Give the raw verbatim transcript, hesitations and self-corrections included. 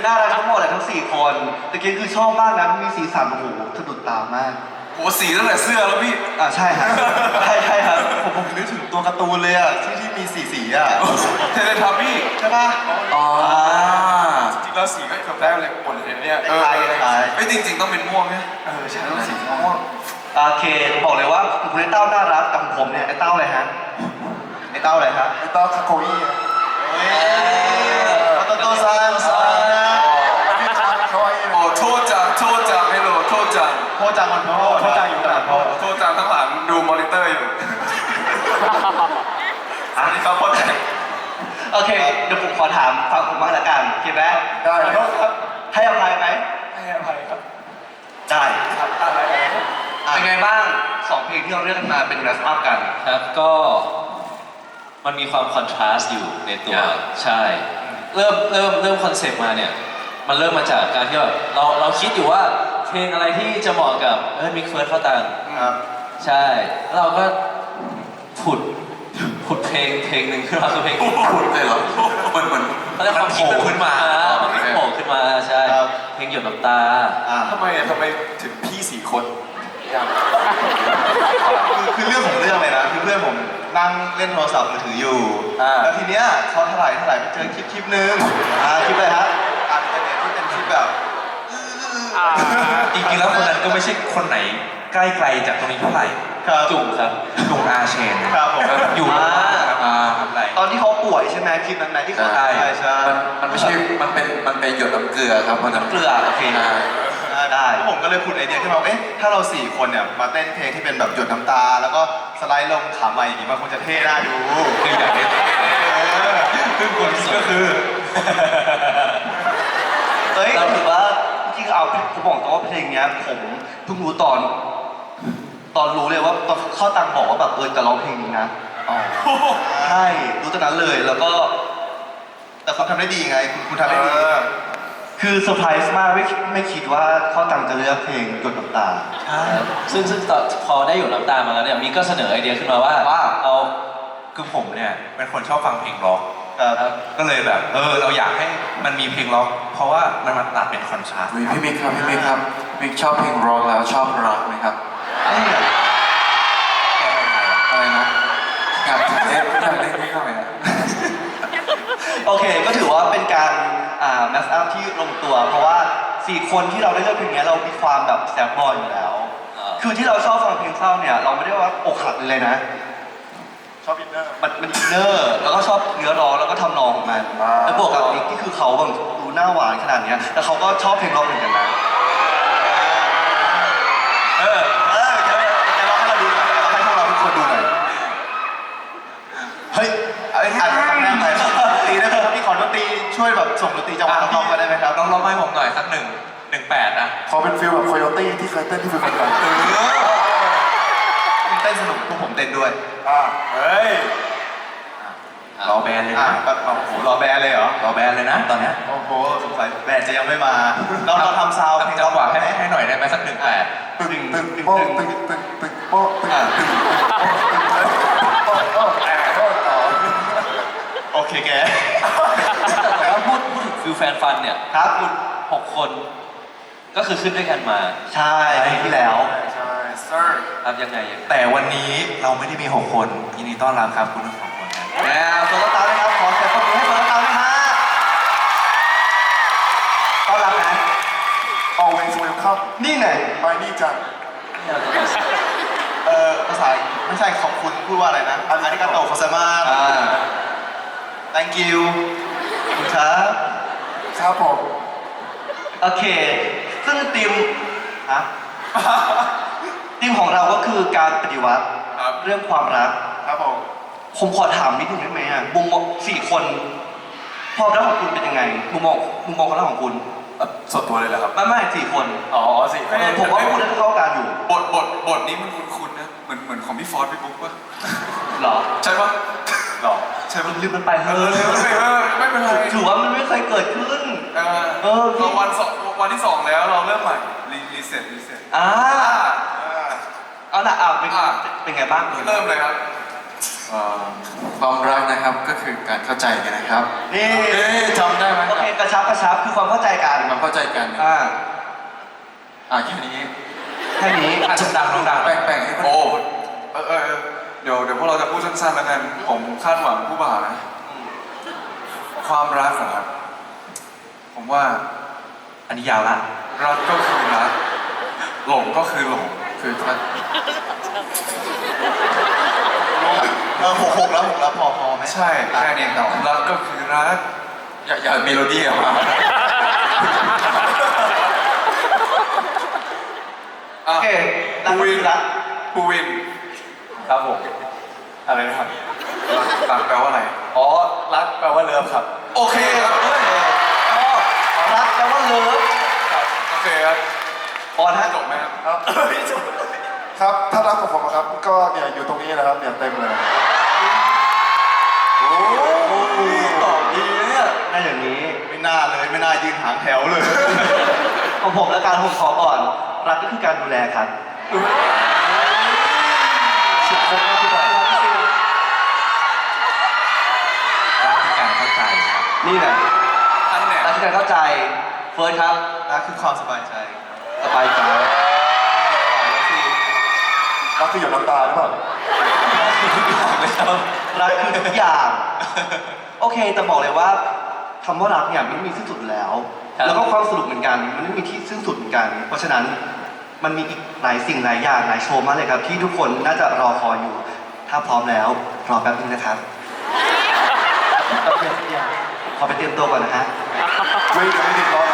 น่ารักทั้งหมดเลยทั้งสี่คนตะกี้คือชอบมากนะมีสีสันโอ้โหสะดุดตามากโหสีตั้งแต่เสื้อแล้วพี่อ่าใช่ครับใช่ใช่ครับผมผมนึกถึงตัวการ์ตูนเลยอ่ะที่ที่มีสีสีอ่ะเทเลทับบี้ใช่ป่ะอ๋อจริงๆแล้วสีก็เกือบได้เลยหมดเลยเนี่ยเออไม่จริงๆต้องเป็นม่วงไหมเออใช่ต้องสีม่วงโอเคบอกเลยว่าคุณไอ้เต้าน่ารักแต่ผมเนี่ยไอ้เต้าอะไรฮะไอ้เต้าอะไรฮะไอ้เต้าคาโกอี้เฮ้ยโตโตซังซังนะโอ้โทษจังโทษจังให้โหลโทษจังโทษจังคนโทษโทษจังอยู่ตลาดโทษโทษจังทั้งหลังดูมอนิเตอร์อยู่อันนี้เขาพ้นโอเคเดี๋ยวผมขอถามฟังผมบ้างละกันโอเคไหมได้ครับให้อภัยไหมให้อภัยครับได้ครับอะไรเป็นไงบ้างสองเพลงที่เราเลือกมาเป็นแรปอัพกันครับก็มันมีความคอนทราสต์อยู่ในตัวใช่เริ่มเริ่มเริ่มคอนเซปต์มาเนี่ยมันเริ่มมาจากการที่แบบเราเราคิดอยู่ว่าเพลงอะไรที่จะเหมาะกับเออมิกเฟิร์สเข้าตังครับใช่เราก็ผุดผุดเพลงเพลงหนึ่งขึ้นมาคือเพลงผุดเลยเหรอมันมันมันความคิดขึ้นมามันโผล่ขึ้นมาใช่เพลงหยดน้ำตาทำไมอ่ะทำไมถึงพี่สี่คนคือคือเรื่องของเรื่องเลยนะคือเพื่อนผมนั่งเล่นโทรศัพท์มือถืออยู่แล้วทีเนี้ยเขาถลายถลายไปเจอคลิปคลิปนึงอ่าคลิปอะไรฮะอ่านอินเทอร์เน็ตที่เป็นคลิปแบบจริงๆแล้วคนนั้นก็ไม่ใช่คนไหนใกล้ไกลจากตรงนี้เท่าไหร่จุ่มครับจุ่มอาเชนครับผมอยู่ทำไรตอนที่เขาป่วยใช่ไหมคลิปนั้นไหนที่เขาใช่ใช่มันไม่ใช่มันเป็นมันเป็นหยดน้ำเกลือครับมันน้ำเกลือโอเคได้ผมก็เลยพูดไอเดียขึ้นมาเอ๊ะถ้าเราสี่คนเนี่ยมาเต้นเพลงที่เป็นแบบหยดน้ำตาแล้วก็สไลด์ลงขาใหม่อย่างนี้มันคงจะเท่น่าดูคืออยากเห็นซึ่งคนก็คือเฮ้ยเราถือว่าจริงๆเอาผมบอกตรงว่าเพลงเนี้ยผมเพิ่งรู้ตอนตอนรู้เลยว่าตอนเข้าตังบอกว่าแบบเออจะร้องเพลงนี้นะใช่รู้ตอนนั้นเลยแล้วก็แต่คุณทำได้ดีไงคุณคุณทำได้ดีคือเซอร์ไพรส์มากไม่ไม่คิดว่าเข้าตังจะเลือกเพลงหยดน้ำตาใช่ซึ่งซึ่งตอนพอได้หยดน้ำตามาแล้วเนี่ยมีก็เสนอไอเดียขึ้นมาว่าว่าเอาคือผมเนี่ยเป็นคนชอบฟังเพลงร็อกก็เลยแบบเออเราอยากให้มันมีเพลงร็อกเพราะว่ามันมาตัดเป็นคอนทราสต์พี่มิกครับพี่มิกครับมิกชอบเพลงร็อกแล้วชอบร็อกไหมครับอะไรนะอยากเล่นอยากเล่นไม่เข้าไปนะโอเคก็ถือว่าเป็นการอ่าแมสอัพที่ลงตัวเพราะว่าสี่คนที่เราได้เลือกเพลงนี้เรามีความแบบแซบบอยอยู่แล้วคือที่เราชอบฟังเพลงเศร้าเนี่ยเราไม่ได้ว่าอกหักเลยนะชอบอินเนอร์มันมันอินเนอร์แล้วก็ชอบเนื้อร้องแล้วก็ทำนองของมันแล้วบวกกับนิกที่คือเขาแบบดูหน้าหวานขนาดนี้แล้วเขาก็ชอบเพลงร็อกเหมือนกันนะเออเออจะจะร้องให้เราดูหน่อยร้องให้พวกเราทุกคนดูหน่อยเฮ้ยไอ้อาจจะทำแน่ไปตีได้ไหมครับพี่ขอดนตรีช่วยแบบส่งดนตรีจังหวะน้องๆมาได้ไหมครับน้องร้องให้ผมหน่อยสักหนึ่งหนึ่งแปดนะขอเป็นฟิลแบบโคโยตี้ที่เคยเต้นที่ฟิลกันเต้นสนุกพวกผมเต้นด้วยอ่าเฮ้ยรอแบนเลยนะโอ้โหรอแบนเลยเหรอรอแบนเลยนะตอนนี้โอ้โหสงสัยแบนจะยังไม่มาเราเราทำซาวเพลงจังหวะให้ให้หน่อยได้ไหมสักหนึ่งแปดตึงตึงโป๊ะตึงตึงตึงโป๊ะตึงตึงโป๊ะโป๊ะโป๊ะต่อโอเคแกแต่ว่าพูดพูดถึงฟิลแฟนฟันเนี่ยครับคุณหกคนก็คือขึ้นด้วยกันมาใช่ที่แล้วใช่เซอร์ครับยังไงแต่วันนี้เราไม่ได้มีหกคนยินดีต้อนรับครับคุณทั้งสองคนนะแล้วโซลตาร์นะครับขอเสียงปรบมือให้โซลตาร์ด้วยฮะต้อนรับนะ always welcome นี่ไงไปนี่จังเออภาษาไม่ใช่ขอบคุณพูดว่าอะไรนะอาริกาโตโคซามาอ่า thank you คุณครับครับผมโอเคซึ่งทีมฮะทีมของเราก็คือการปฏิวัติเรื่องความรักครับผมผมขอถามนิดนึงได้ไหมอ่ะมุมมองสี่คนความรักของคุณเป็นยังไงมุมมองมุมมองความรักของคุณส่วนตัวเลยเหรอครับไม่ไม่สี่คนอ๋อสี่คนผมว่าพูดได้เข้ากันอยู่บทบทบทนี้มันคุ้นๆนะเหมือนเหมือนของพี่ฟอร์ดพี่บุ๊กป่ะหรอใช่ป่ะหรอใช่มันลืมมันไปเฮ้ยไม่เป็นไรถือว่ามันไม่เคยเกิดขึ้นเออเออวันสองวันที่สองแล้วเราเริ่มใหม่รีเซ็ตรีเซ็ตอ่าเอาละอ่าเป็นเป็นไงบ้างเริ่มเลยครับเอ่อความรักนะครับก็คือการเข้าใจกันนะครับนี่เอ๊ะจำได้ไหมคโอรับเคกระชับกระชับคือความเข้าใจกันความเข้าใจกันอ่าอ่าแค่นี้แค่นี้อาจจะดังลงดังแบ่งๆให้คนโอ้อื่นเออเออเออเดี๋ยวเดี๋ยวพวกเราจะพูดสั้นๆแล้วกัน ผมคาดหวังผู้บ่าวนะ ความรักเหรอครับ ผมว่าอันนี้ยาวละรักก็คือรัก หลงก็คือหลงคือถ้าเออหกหกแล้วหกแล้วพอพอไหมใช่แค่นี้ครับรักก็คือรักอย่าอย่าเมโลดี้ออกมาโอเครักภูวินรักภูวินครับผมอะไรนะครับรักแปลว่าอะไรอ๋อรักแปลว่าเลิฟครับโอเคครับเฮ้ยรักแปลว่าเลิฟโอเคครับพอนะจบไหมครับครับครับ ถ้ารักของผมนะครับ ก็เนี่ยอยู่ตรงนี้นะครับเนี่ยเต็มเลยโอ้ยตอบดีนะเนี่ยน่าอย่างนี้ ไม่น่าเลยไม่น่ายืนหางแถวเลย ของผมและการผมขอก่อน รักก็คือการดูแลครับสุดคมมากพี่บอยรักคือการเข้าใจครับนี่แหละอันเนี่ยรักคือการเข้าใจเฟิร์สครับรักคือความสบายใจสบายใจรักคือหยดน้ำตาหรือเปล่ารักคือทุกอย่าง โอเคแต่บอกเลยว่าคำว่ารักเนี่ยมันไม่มีสิ้นสุดแล้วครับแล้วก็ความสนุกเหมือนกัน มันไม่มีที่สิ้นสุดเหมือนกัน เพราะฉะนั้นมันมีอีกหลายสิ่งหลายอย่างหลายโชว์มากเลยครับ ที่ทุกคนน่าจะรอคอยอยู่ ถ้าพร้อมแล้วรอแป๊บนึงนะครับขอไปเตรียมตัวก่อนนะฮะไม่ไม่ติดล้อนะ